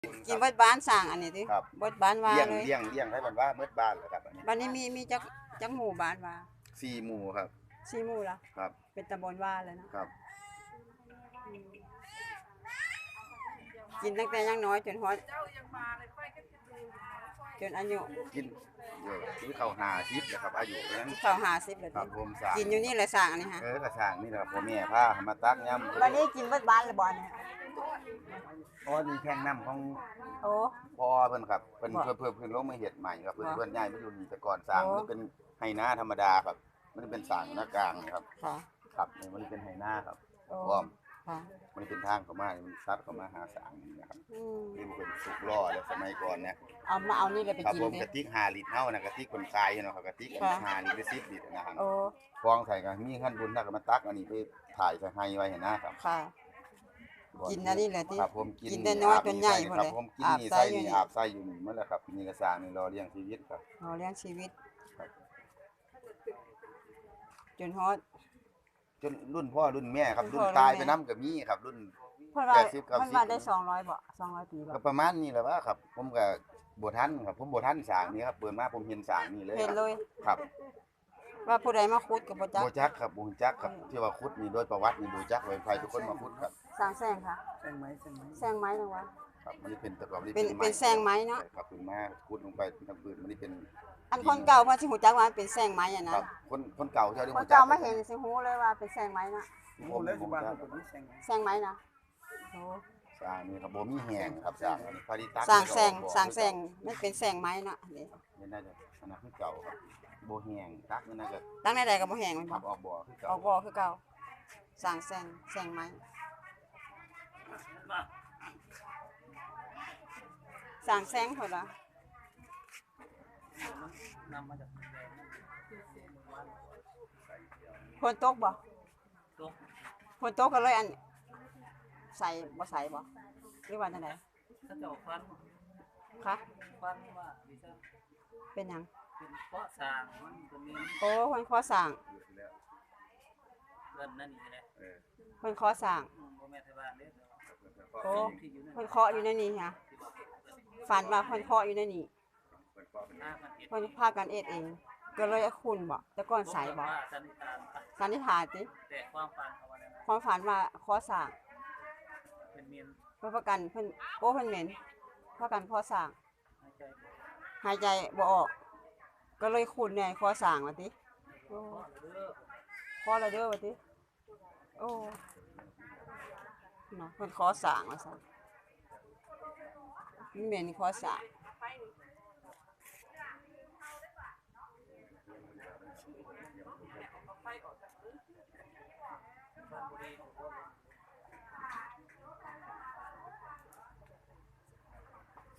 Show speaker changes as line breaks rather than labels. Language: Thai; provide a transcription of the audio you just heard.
กินเบิดบ้านสร้างอันนี้ติ
ครับ
เบิดบ้านว่า
เลี้ยง
เลย
เลี้ยงเลี้ยงให้มันว่าเบิดบ้านเหรอครับอันนี้
บัดนี้มีจักหมู่บ้านว่า
4หมู่ครับ
4หมู่ล่ะ
ครับ
เป็นตำบลว่าเลยนะครับกินตั้งแต่ยังน้อยจนฮอดจนอายุ
กินซื้อข้าว50นะครับอายุนั้น
เข้า50แล้ว
ครับ
ติ
ผมสร้าง
กินอยู่นี่แหละสร้างอันนี้ฮะ
ก็สร้างนี่แหละครับพ่อแม่พามาตักยำ
บัดนี้กินเบิดบ้านแล้วบ่เนี่ย
อ๋อนี่แท่งน้ำของ
โอ้
พ่อเพิ่นครับเพิ่นเพิ่นลงมาเฮ็ดใหม่ครับเพิ่นย้ายมาอยู่นี่แต่ก่อนสร้างมันเป็นไหนาธรรมดาครับมันเป็นสร้างหน้ากลางครับ
ค่ะ
ครับนี่มันเป็นไหนาครับ
โอ้
พร้อม
ค่ะ
มันเป็นทางเข้ามานี่มันซัดเข้ามาหาสร้างนี่นะครับนี่มันเป็นสุกล้อแล้วสมัยก่อนเนี่ย
เอานี่แหละไป
ครับ
กิน
ผมกะติก5ลิตรเฮานะกะติกคนขายเนาะครับกะติก5ลิตร10ลิตรนะครับ
โอ้
ฟองใส่ก็มีขั้นบุญถ้าก็มาตักอันนี้ไปถ่ายใส่ให้ไว้เห็นนะครับ
ค่ะกินอันนี้แหละที่
ครับผมกิน
แต่น้อยจนใหญ่หมดเลย
ครับผมกินนี่ใส่นี่อาบใส่อยู่นี่หมดแล้วครับนี่ก็สร้างนี่รอเลี้ยงชีวิตครับ
เลี้ยงชีวิต
ครับ
จนฮอด
จนรุ่นพ่อรุ่นแม่ครับรุ่นตายไปนํก็มีครับรุ่น
เพิ่นว่าได้200บ่200ปีบ่
ก็ประมาณนี้แหละว่าครับผมก็บ่ทันครับผมบ่ทันสร้างนี่ครับเปิดมาผมเห็นสร้างนี่เลย
เห็นเลย
ครับ
ว่าผู้ใดมาขุดก็บ่จัก
บ่จักครับบ่จักครับที่ว่าขุดนี่โดยประวัตินี่บ่จักไว้ใครทุกคนมาขุดครับ
สร้างแซงค่ะ
แซงไหม
จังว่า
ครับมันเป็นตะกอบนี่
เป็นแซงไม้เนาะ
ครับขึ้นมาขุดลงไปทางพื้นมันนี่เป็น
อันคนเก่าเพิ่นสิฮู้จักว่ามันเป็นแซงไม้อ่ะนะครับ
คนเก่าเจ้าที่
คนเก่ามาเห็นสิฮู้เลยว่าเป็นแซงไม้นะ
ผมแล้วที่บ้านผมมีแซงไหม
แซงไม้นะโอ้
สร้างนี่ครับบ่มีแห้งครับสร้างอันนี้พาริตัส
สร้างแซงมันเป็นแซงไม้เนาะนี่
น่าจะอันนั้นคือเก่าครับบ่แห้งตักนี่น่าจะ
ตั้งใดๆก็บ่แห้งมัน
ค
บ่
รับออกบ่อคือเก่า
ออกบ่อคือเก่าสร้างแซงไม้สร้างแซงเพิ่นล่ะ
นำมาจาก
ฝนตกบ่ฝนตกก็เลยอันใส่บ่หรือว่าจังได๋
ถ้าเจ้าฟัน
คะ
ฟันว่าดิฉัน
เป็นหยัง
เป็นเพราะสร้างมันก็มี
โอ้เพิ่นขอสร้าง
เงินนั่นนี่แหละ
เพิ่นขอสร้าง
บ่แม่นไทบ้านเด้
โอ้เพิ่นเคาะอยู่ในนี้ค่ะฝันว่าเพิ่นเคาะอยู่ในนี้เพิ่นพากันเอ็ดเองก็เลยคุณบ่แต่ก่อนใส่บ่สันนิษฐานติ
แต่ความฝันเขาว่า
ความฝันว่าขอสร้าง
เป็นเมียน
เพิ่นประกันเพิ่นโอ้เพิ่นเหม็นพากันขอสร้างหายใจบ่ออกก็เลยคุณแน่ขอสร้างว่าติโอ้ขอแล้วเด้อว่าติโอ้เนาะเพิ่นขอสร้างว่าซั่นเหม็นขอสร้าง